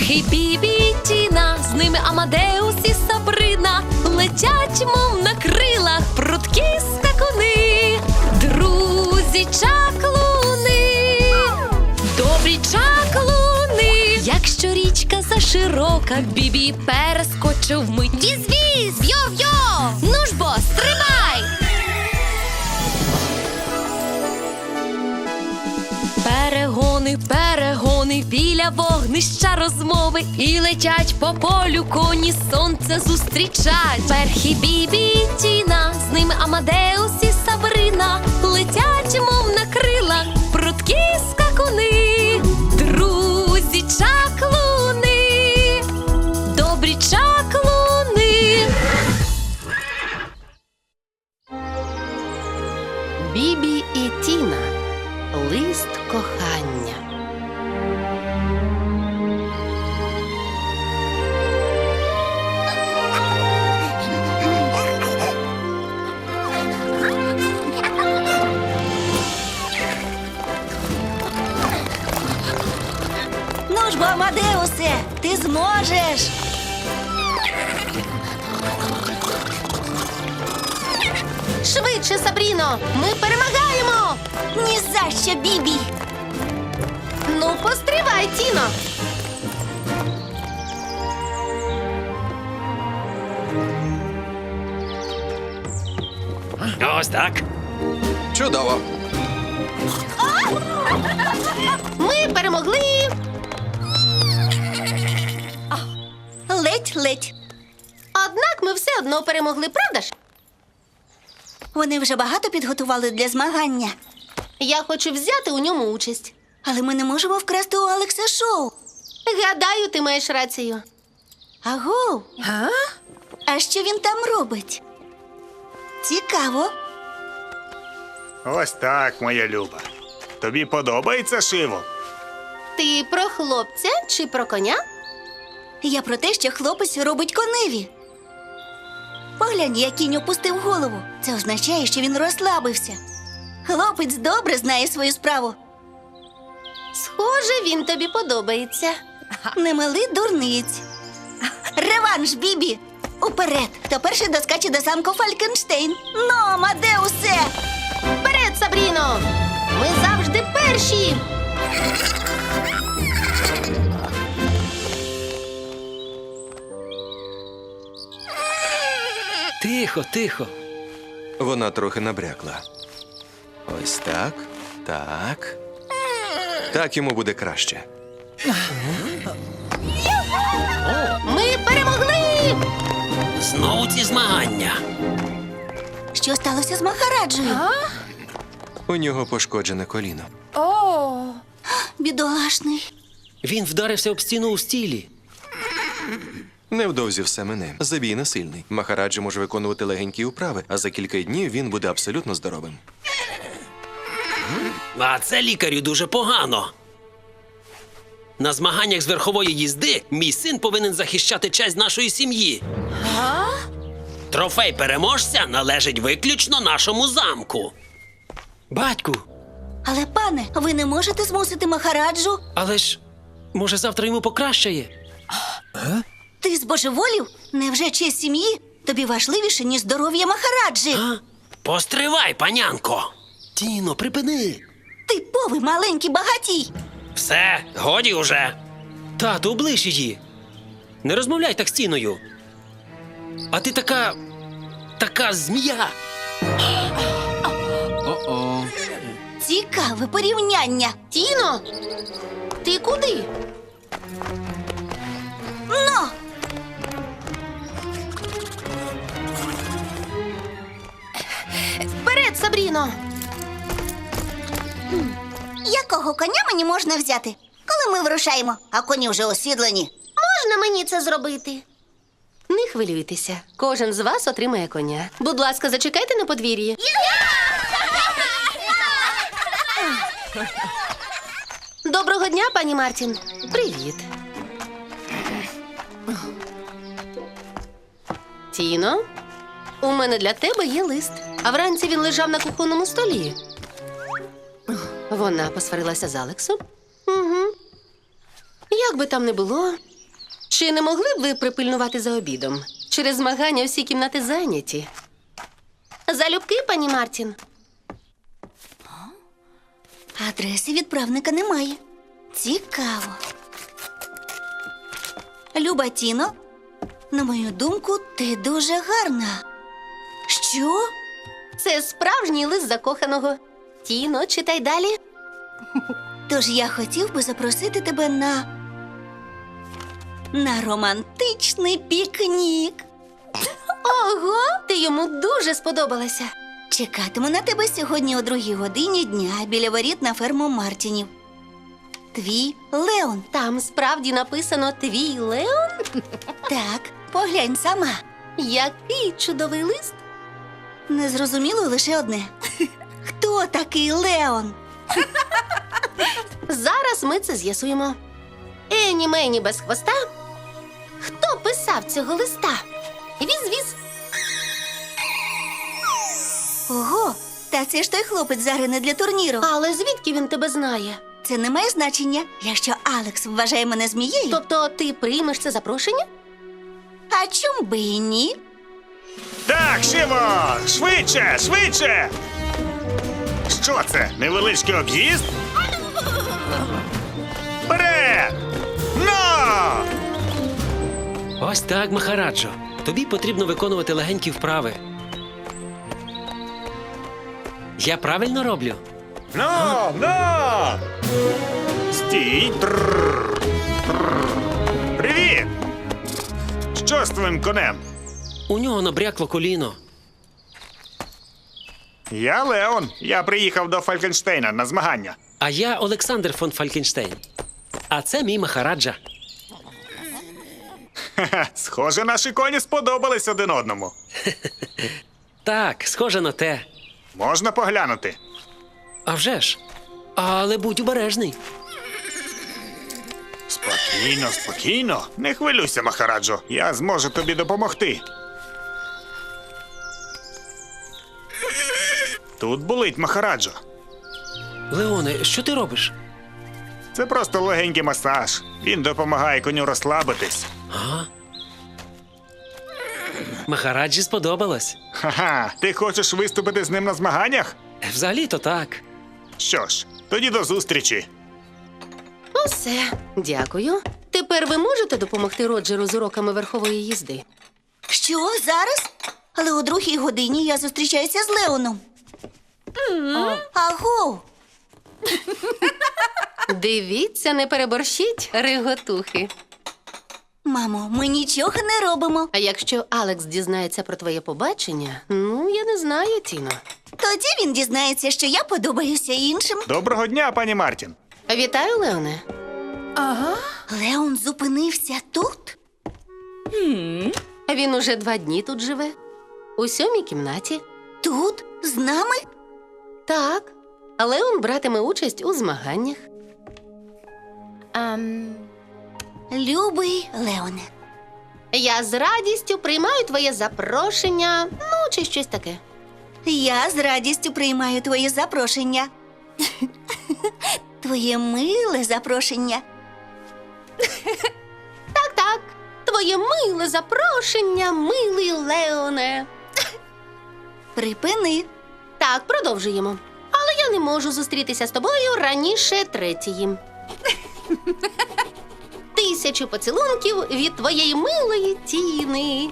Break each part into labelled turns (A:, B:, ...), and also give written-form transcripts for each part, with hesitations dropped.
A: Перхі, Бібі і Тіна, з ними Амадеус і Сабрина, летять, мов на крилах, прудкі скакуни, друзі чаклуни, добрі чаклуни. Якщо річка заширока, Бібі перескочив вмить. Віз-віз, йо-йо, ну ж бо, стрибай! Перегони, перегони, біля вогнища розмови, і летять по полю коні, сонце зустрічать. Перхі, Бібі і Тіна, з ними Амадеус і Сабрина, летять, мов на крилах, прудкі скакуни, друзі чаклуни, добрі чаклуни. Бібі і Тіна. Лист кохання.
B: Ну ж бо, Амадеусе, ти зможеш.
A: Швидше, Сабріно! Ми перемагаємо!
B: Ні за що, Бібі.
A: Ну, постривай, Тіно!
C: Ось так.
D: Чудово.
A: Ми перемогли!
B: Ледь-ледь.
A: Однак ми все одно перемогли, правда ж?
B: Вони вже багато підготували для змагання.
A: Я хочу взяти у ньому участь.
B: Але ми не можемо вкрасти у Алекса шоу.
A: Гадаю, ти маєш рацію.
B: Аго? А що він там робить? Цікаво.
E: Ось так, моя люба. Тобі подобається шиво?
A: Ти про хлопця чи про коня?
B: Я про те, що хлопець робить коневі. Поглянь, як кінь опустив голову. Це означає, що він розслабився. Хлопець добре знає свою справу.
A: Схоже, він тобі подобається.
B: Не мили дурниць. Реванш, Бібі! Уперед! Хто перший доскаче до замку Фалькенштейн? Ну, Амадеусе!
A: Вперед, Сабріно! Ми завжди перші!
C: Тихо, тихо.
D: Вона трохи набрякла. Ось так. Так. Так йому буде краще.
A: Ми перемогли!
C: Знову ці змагання.
B: Що сталося з Махараджею?
D: У нього пошкоджене коліно.
B: Бідолашний.
C: Він вдарився об стіну у стілі.
D: Невдовзі все мине. Забій не сильний. Махараджа може виконувати легенькі вправи, а за кілька днів він буде абсолютно здоровим.
C: А це лікарю дуже погано. На змаганнях з верхової їзди мій син повинен захищати честь нашої сім'ї. Трофей переможця належить виключно нашому замку. Батьку,
B: Але, пане, ви не можете змусити Махараджу?
C: але ж, може, завтра йому покращає?
B: Ти збожеволів? Невже честь сім'ї тобі важливіше, ніж здоров'я Махараджі?
C: А? Постривай, панянко. Тіно, припини.
B: Типовий маленький багатій.
C: Все, годі уже. Тату, облиш її. Не розмовляй так з Тіною. А ти така змія.
B: Цікаве порівняння.
A: Тіно, ти куди?
B: Ну!
A: Вперед, Сабріно!
B: Якого коня мені можна взяти, коли ми вирушаємо, а коні вже осідлені?
A: Можна мені це зробити? Не хвилюйтеся. Кожен з вас отримає коня. Будь ласка, зачекайте на подвір'ї. Доброго дня, пані Мартін. Привіт. Тіно, у мене для тебе є лист. А вранці він лежав на кухонному столі. Вона посварилася з Алексом? Угу. Як би там не було, Чи не могли б ви припильнувати за обідом? Через змагання всі кімнати зайняті. Залюбки, пані Мартін.
B: Адреси відправника немає. Цікаво. Люба Тіно, на мою думку, ти дуже гарна. Що?
A: Це справжній лист закоханого. Тіно, читай далі.
B: Тож я хотів би запросити тебе на романтичний пікнік.
A: Ого, ти йому дуже сподобалася.
B: Чекатиму на тебе сьогодні о 2 годині дня біля воріт на ферму Мартінів. Твій Леон.
A: Там справді написано «Твій Леон».
B: Так, поглянь сама.
A: Який чудовий лист.
B: Незрозуміло лише одне. Хто такий Леон?
A: Зараз ми це з'ясуємо. Ені мені без хвоста. Хто писав цього листа? Віз-віз.
B: Ого, та це ж той хлопець загрине для турніру.
A: Але звідки він тебе знає?
B: Це не має значення, якщо Алекс вважає мене змією.
A: Тобто ти приймеш це запрошення?
B: А чом би і ні?
E: Так, Шиво! Швидше, швидше! Що це? Невеличкий об'їзд? Вперед! Но!
C: Ось так, Махараджо. Тобі потрібно виконувати легенькі вправи. Я правильно роблю?
E: Но! Но! Стій! Трррр. Трррр. Привіт! Що з твоїм конем?
C: У нього набрякло коліно.
E: Я Леон. Я приїхав до Фалькенштейна на змагання.
C: А я Олександр фон Фалькенштейн. А це мій Махараджа.
E: Ха-ха, схоже, наші коні сподобались один одному.
C: Так, схоже на те.
E: Можна поглянути?
C: А вже ж. Але будь обережний.
E: Спокійно, спокійно. Не хвилюйся, Махараджо. Я зможу тобі допомогти. Тут болить, Махараджо.
C: Леоне, що ти робиш?
E: Це просто легенький масаж. Він допомагає коню розслабитись.
C: А? Махараджі сподобалось.
E: Ха-ха, ти хочеш виступити з ним на змаганнях?
C: Взагалі-то так.
E: Що ж, тоді до зустрічі.
A: Усе, дякую. Тепер ви можете допомогти Роджеру з уроками верхової їзди?
B: Що, зараз? Але о 2 годині я зустрічаюся з Леоном. Аго!
A: Дивіться, не переборщіть, риготухи.
B: Мамо, ми нічого не робимо.
A: А якщо Алекс дізнається про твоє побачення, ну, я не знаю, Тіно.
B: Тоді він дізнається, що я подобаюся іншим.
E: Доброго дня, пані Мартін.
A: Вітаю, Леоне.
B: Леон зупинився тут?
A: Він уже 2 дні тут живе. У 7-й кімнаті.
B: Тут? З нами?
A: Так. Леон братиме участь у змаганнях.
B: Любий Леоне.
A: Я з радістю приймаю твоє запрошення, ну, чи щось таке.
B: Я з радістю приймаю твоє запрошення. Твоє миле запрошення.
A: Так, твоє миле запрошення, милий Леоне.
B: Припини.
A: Так, продовжуємо. Але я не можу зустрітися з тобою раніше 3-ї. 1000 поцілунків від твоєї милої Тіни.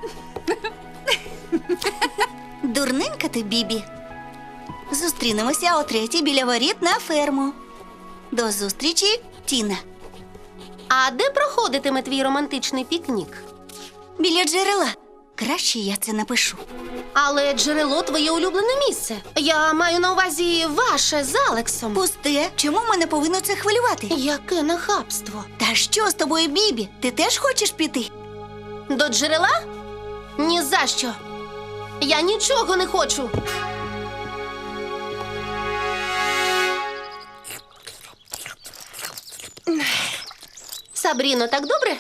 B: Дурненька ти, Бібі. Зустрінемося о 3 біля воріт на ферму. До зустрічі, Тіна.
A: А де проходитиме твій романтичний пікнік?
B: Біля джерела. Краще я це напишу.
A: Але джерело твоє улюблене місце. Я маю на увазі ваше з Алексом.
B: Пусте, чому мене повинно це хвилювати?
A: Яке нахабство.
B: Та що з тобою, Бібі? Ти теж хочеш піти?
A: До джерела? Ні за що. Я нічого не хочу. Сабріно, так добре?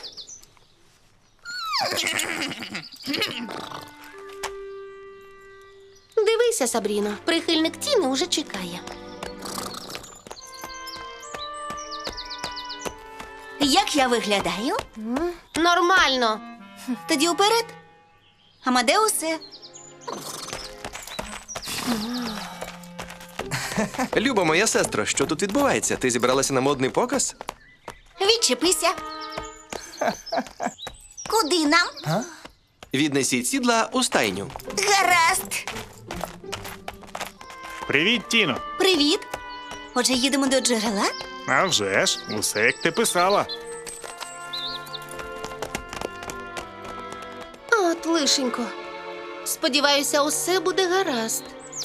A: Дивися, Сабріно, прихильник Тіни уже чекає.
B: Як я виглядаю?
A: Нормально.
B: Тоді вперед. Амадеусе.
D: Люба моя сестро, що тут відбувається? Ти зібралася на модний показ?
B: Відчепися. Куди нам?
D: Віднесіть сідла у стайню.
B: Гаразд.
E: Привіт, Тіно.
B: Привіт. Отже, їдемо до джерела?
E: А вже ж, усе як ти писала.
A: От, лишенько. Сподіваюся, усе буде гаразд.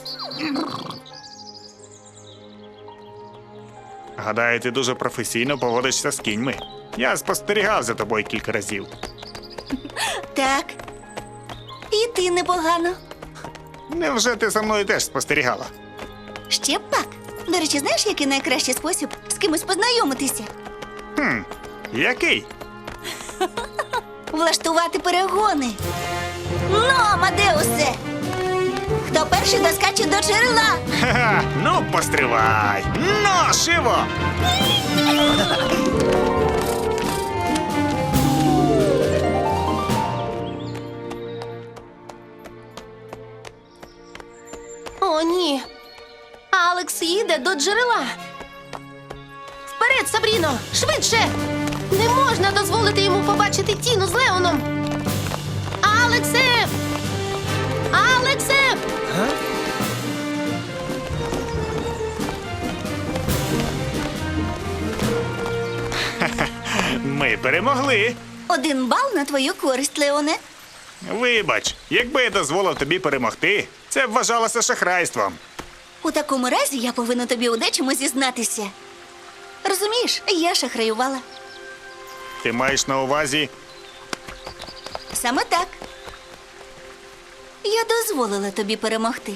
E: Гадаю, ти дуже професійно поводишся з кіньми. Я спостерігав за тобою кілька разів.
B: Так. І ти непогано.
E: Невже ти за мною теж спостерігала?
B: Ще б пак. До речі, знаєш, який найкращий спосіб з кимось познайомитися?
E: Який?
B: Влаштувати перегони. Ну, Амадеусе! Хто перший доскаче до джерела?
E: Ха-ха, ну постривай! Ну, шиво!
A: О, ні. Алекс їде до джерела. Вперед, Сабріно! Швидше! Не можна дозволити йому побачити Тіну з Леоном. Алексе! Алексе!
E: Ми перемогли.
B: 1 бал на твою користь, Леоне.
E: Вибач, якби я дозволив тобі перемогти, це б вважалося шахрайством.
B: У такому разі я повинна тобі у дечому зізнатися. Розумієш, я шахраювала.
E: Ти маєш на увазі.
B: Саме так. Я дозволила тобі перемогти.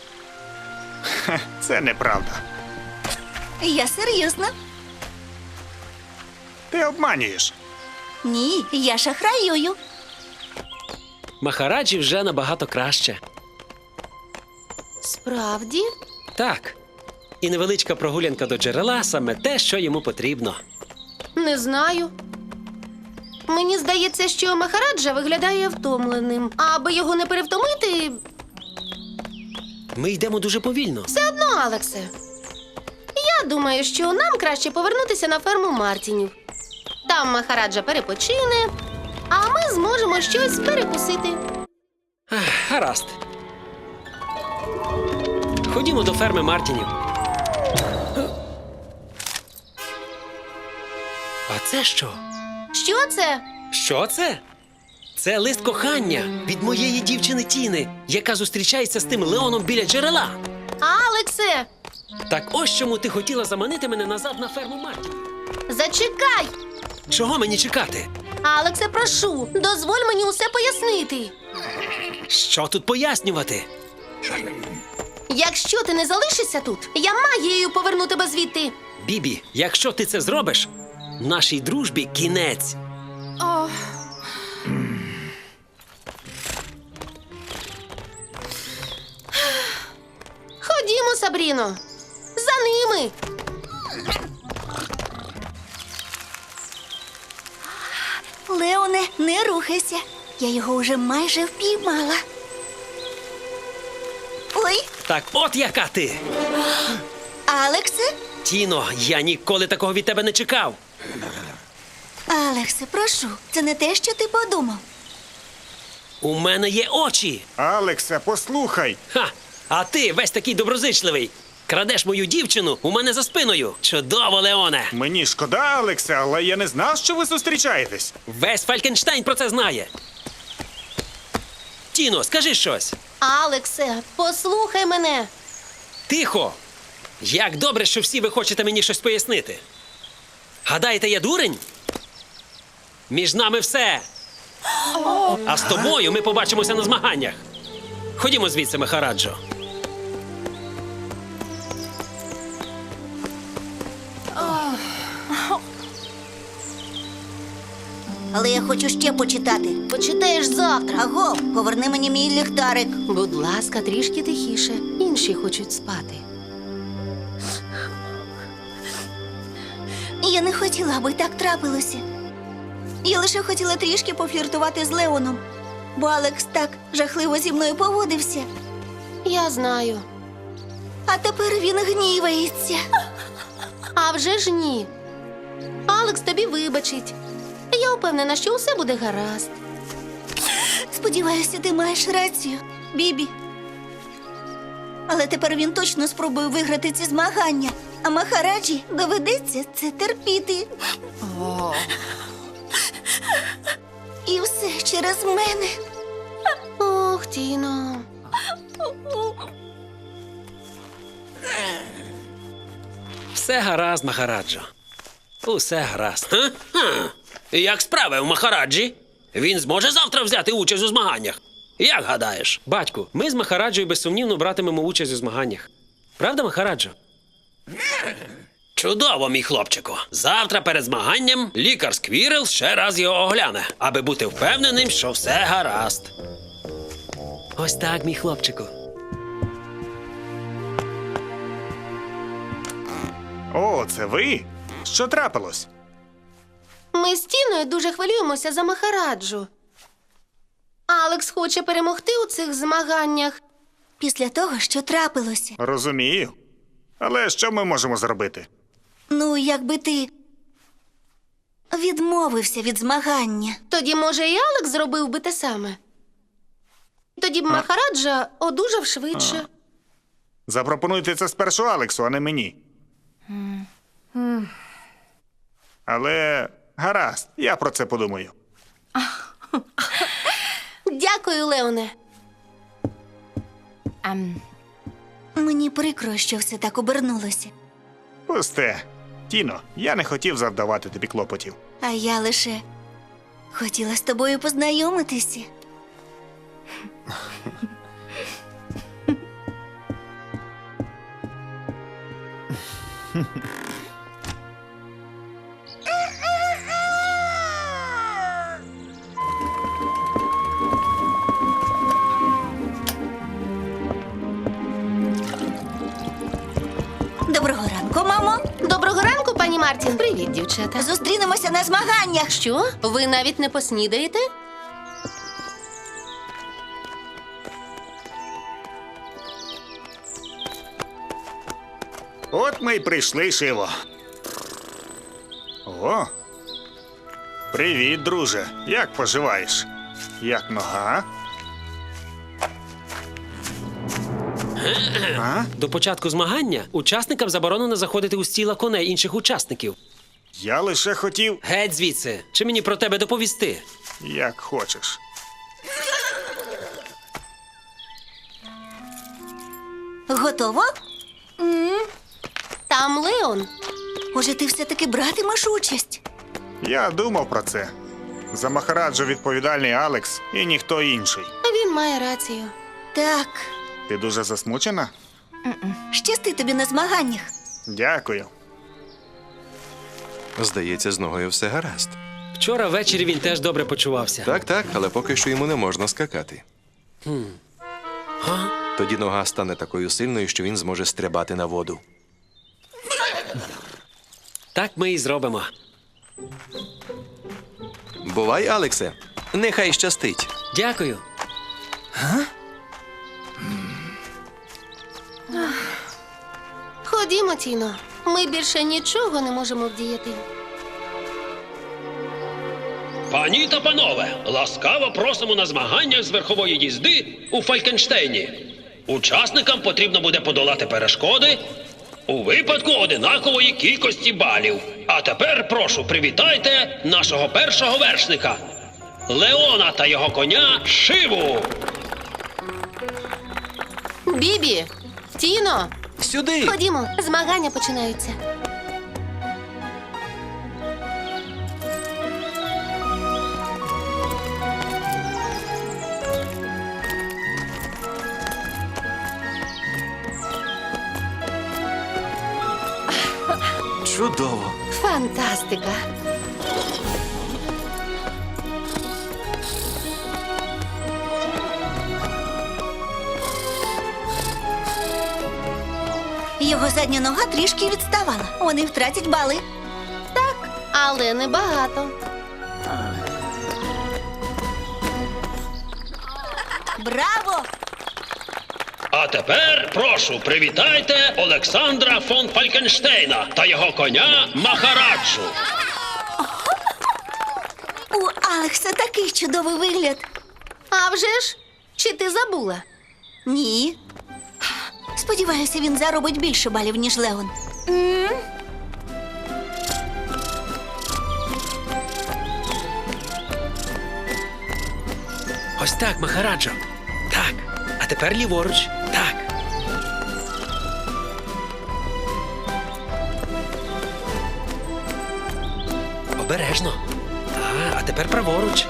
E: Це неправда.
B: Я серйозно.
E: Ти обманюєш.
B: Ні, я шахраюю.
C: Махараджі вже набагато краще.
A: Справді?
C: Так. І невеличка прогулянка до джерела саме те, що йому потрібно.
A: Не знаю. Мені здається, що Махараджа виглядає втомленим. А аби його не перевтомити,
C: Ми йдемо дуже повільно.
A: все одно, Алексе. Я думаю, що нам краще повернутися на ферму Мартінів. Там Махараджа перепочине, а ми зможемо щось перекусити.
C: Гаразд. Ходімо до ферми Мартінів. А це що?
A: Що це?
C: Що це? Це лист кохання від моєї дівчини Тіни, яка зустрічається з тим Леоном біля джерела.
A: Алексе,
C: Так ось чому ти хотіла заманити мене назад на ферму Мартінів.
A: зачекай!
C: Чого мені чекати?
A: Алексе, прошу, дозволь мені усе пояснити.
C: Що тут пояснювати?
A: Якщо ти не залишишся тут, я магією поверну тебе звідти.
C: Бібі, якщо ти це зробиш, нашій дружбі кінець.
A: Ходімо, Сабріно. За ними.
B: Леоне, не рухайся. Я його вже майже впіймала. Ой,
C: Так от яка ти!
B: Алексе?
C: Тіно, я ніколи такого від тебе не чекав.
B: Алексе, прошу, це не те, що ти подумав.
C: У мене є очі.
E: Алексе, послухай.
C: Ха! А ти весь такий доброзичливий. Крадеш мою дівчину у мене за спиною. Чудово, Леоне!
E: Мені шкода, Алексе, але я не знав, що ви зустрічаєтесь.
C: Весь Фалькенштайн про це знає. Тіно, скажи щось.
A: Алексе, послухай мене.
C: Тихо! Як добре, що всі ви хочете мені щось пояснити. Гадаєте, я дурень? Між нами все. А з тобою ми побачимося на змаганнях. Ходімо звідси, Махараджо.
B: Але я хочу ще почитати.
A: Почитаєш завтра.
B: Аго, поверни мені мій ліхтарик.
A: Будь ласка, трішки тихіше. Інші хочуть спати.
B: Я не хотіла, аби так трапилося. Я лише хотіла трішки пофліртувати з Леоном, бо Алекс так жахливо зі мною поводився.
A: Я знаю.
B: А тепер він гнівається.
A: А вже ж ні. Алекс тобі вибачить. Я впевнена, що усе буде гаразд.
B: Сподіваюся, ти маєш рацію, Бібі. Але тепер він точно спробує виграти ці змагання, а Махараджі доведеться це терпіти. І все через мене.
A: Ох, Тіно.
C: Все гаразд, Махараджо. Усе гаразд. Ха? Як справи у Махараджі? Він зможе завтра взяти участь у змаганнях? Як гадаєш? Батьку, ми з Махараджою безсумнівно братимемо участь у змаганнях. Правда, Махараджо? Чудово, мій хлопчику. Завтра перед змаганням лікар Сквірел ще раз його огляне, аби бути впевненим, що все гаразд. Ось так, мій хлопчику.
E: О, це ви? Що трапилось?
A: Ми з Тіною дуже хвилюємося за Махараджу. Алекс хоче перемогти у цих змаганнях.
B: Після того, що трапилося.
E: Розумію. Але що ми можемо зробити?
B: Ну, якби ти відмовився від змагання.
A: Тоді, може, і Алекс зробив би те саме. Тоді б Махараджа одужав швидше.
E: Запропонуйте це спершу Алексу, а не мені. Але гаразд, я про це подумаю.
A: Дякую, Леоне.
B: Мені прикро, що все так обернулося.
E: Пусте. Тіно, я не хотів завдавати тобі клопотів.
B: А я лише хотіла з тобою познайомитися. Доброго ранку, мамо.
A: Доброго ранку, пані Мартін. Привіт, дівчата.
B: Зустрінемося на змаганнях.
A: Що? Ви навіть не поснідаєте?
E: От ми й прийшли, Шиво. О. Привіт, друже. Як поживаєш? Як нога? А?
C: До початку змагання учасникам заборонено заходити у стіла коней інших учасників.
E: Я лише хотів,
C: Геть звідси. Чи мені про тебе доповісти?
E: як хочеш.
B: Готово?
A: Там Леон.
B: Може, ти все-таки братимеш участь?
E: Я думав про це. За Махараджу відповідальний Алекс і ніхто інший.
A: Він має рацію.
B: Так.
E: Ти дуже засмучена?
B: Щасти тобі на змаганнях.
E: Дякую.
D: Здається, з ногою все гаразд.
C: Вчора ввечері він теж добре почувався.
D: Так, але поки що йому не можна скакати. Тоді нога стане такою сильною, що він зможе стрибати на воду.
C: Так ми і зробимо.
D: Бувай, Алексе. Нехай щастить.
C: Дякую.
A: Ходімо, Тіно. Ми більше нічого не можемо вдіяти.
C: Пані та панове, ласкаво просимо на змаганнях з верхової їзди у Фалькенштейні. Учасникам потрібно буде подолати перешкоди у випадку одинакової кількості балів. А тепер, прошу, привітайте нашого першого вершника – Леона та його коня Шиву.
A: Бібі! Тіно!
D: Сюди!
A: Ходімо, змагання починаються.
D: Чудово!
A: Фантастика!
B: Його задня нога трішки відставала. Вони втратять бали.
A: але небагато.
B: Браво!
C: А тепер, прошу, привітайте Олександра фон Фалькенштейна та його коня Махараджу.
B: У Алекса такий чудовий вигляд.
A: А вже ж, чи ти забула?
B: Ні. Сподіваюся, він заробить більше балів, ніж Леон.
C: Ось так, Махараджо. Так. А тепер ліворуч. Так. Обережно. А тепер праворуч.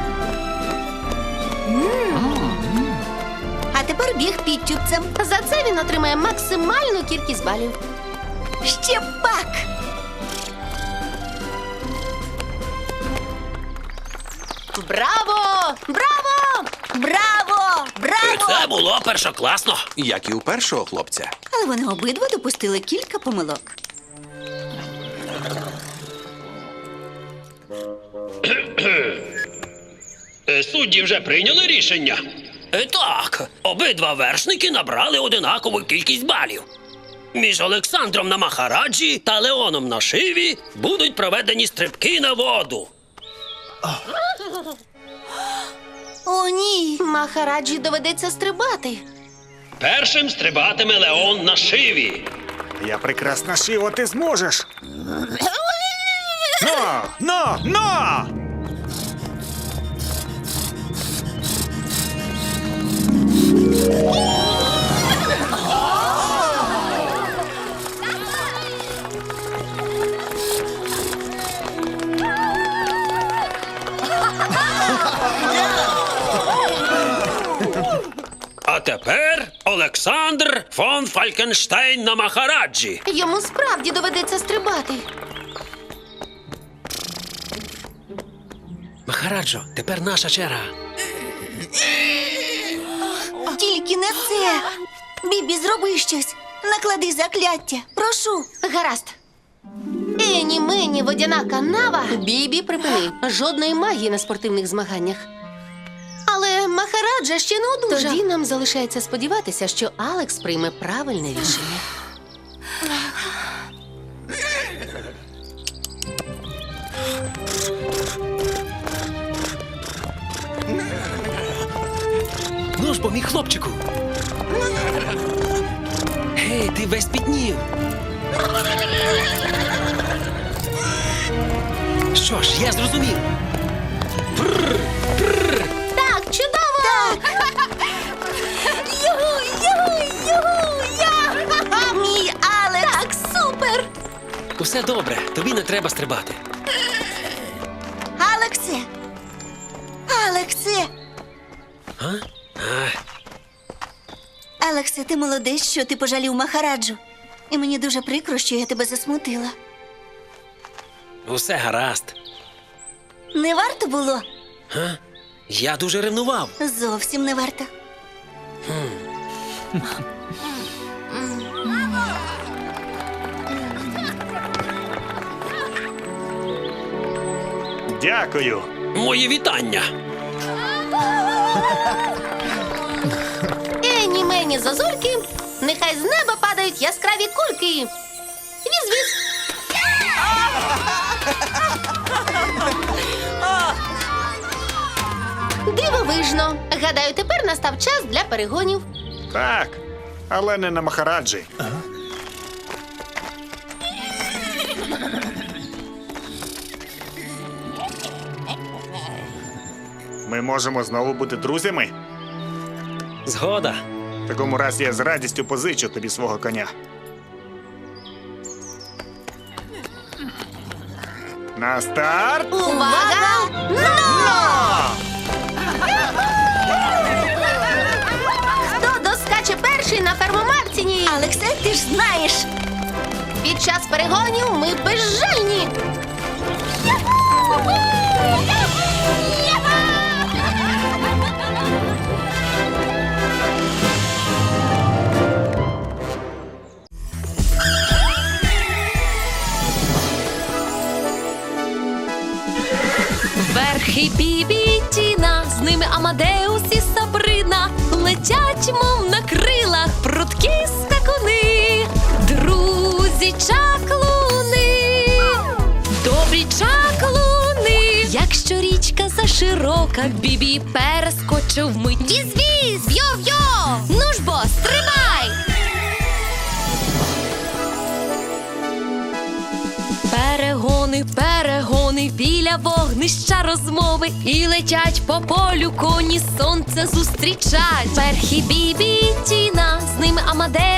B: А тепер біг підтюпцем.
A: За це він отримає максимальну кількість балів.
B: Ще пак!
A: Браво! Браво!
B: Браво! Браво!
C: Це було першокласно.
D: Як і у першого хлопця.
B: Але вони обидва допустили кілька помилок.
C: Судді вже прийняли рішення? Так, обидва вершники набрали одинакову кількість балів. Між Олександром на Махараджі та Леоном на Шиві будуть проведені стрибки на воду.
B: О, ні!
A: Махараджі доведеться стрибати.
C: Першим стрибатиме Леон на Шиві.
E: Я прекрасно шив, а ти зможеш. Но!
C: А тепер Олександр фон Фалькенштейн на Махараджі.
A: Йому справді доведеться стрибати.
C: Махараджо, тепер наша черга.
B: Тільки не це! Бібі, зроби щось! Наклади закляття! Прошу!
A: Гаразд. Ені мені водяна канава. Бібі, припини. Жодної магії на спортивних змаганнях. Але Махараджа ще не одужав. Тоді нам залишається сподіватися, що Алекс прийме правильне рішення.
C: Ну ж бо, мій хлопчику. Гей, ти весь пітнів. Що ж, я зрозумів.
A: Так, чудово!
B: Мій Алекс!
A: Так, супер!
C: Усе добре, тобі не треба стрибати.
B: Алексе! Алексе!
C: А?
B: Алексе, ти молодець, що ти пожалів Махараджу. І мені дуже прикро, що я тебе засмутила.
C: Усе гаразд.
B: Не варто було?
C: Я дуже ревнував.
B: Зовсім не варто.
E: Дякую.
C: Мої вітання.
A: Ені мені зозульки, нехай з неба падають яскраві кульки. Віз-віз. Дивовижно. Гадаю, тепер настав час для перегонів.
E: Так, але не на Махараджі. Ми можемо знову бути друзями.
C: Згода.
E: В такому разі я з радістю позичу тобі свого коня. На старт!
A: Увага! Хто доскаче перший на ферму Мартіні?
B: Алексе, ти ж знаєш.
A: Під час перегонів ми безжальні.
F: Перхі, Бібі і Тіна, з ними Амадеус і Сабрина, летять, мов на крилах, прудкі скакуни, друзі чаклуни, добрі чаклуни. Якщо річка заширока, Бібі перескочив мить. Віз-віз, йо-йо, ну ж бо, стрибай! Перегони, перегони, біля вогнища розмови, і летять по полю коні, сонце зустрічать. Перхі, Бібі і Тіна, з ними Амадеус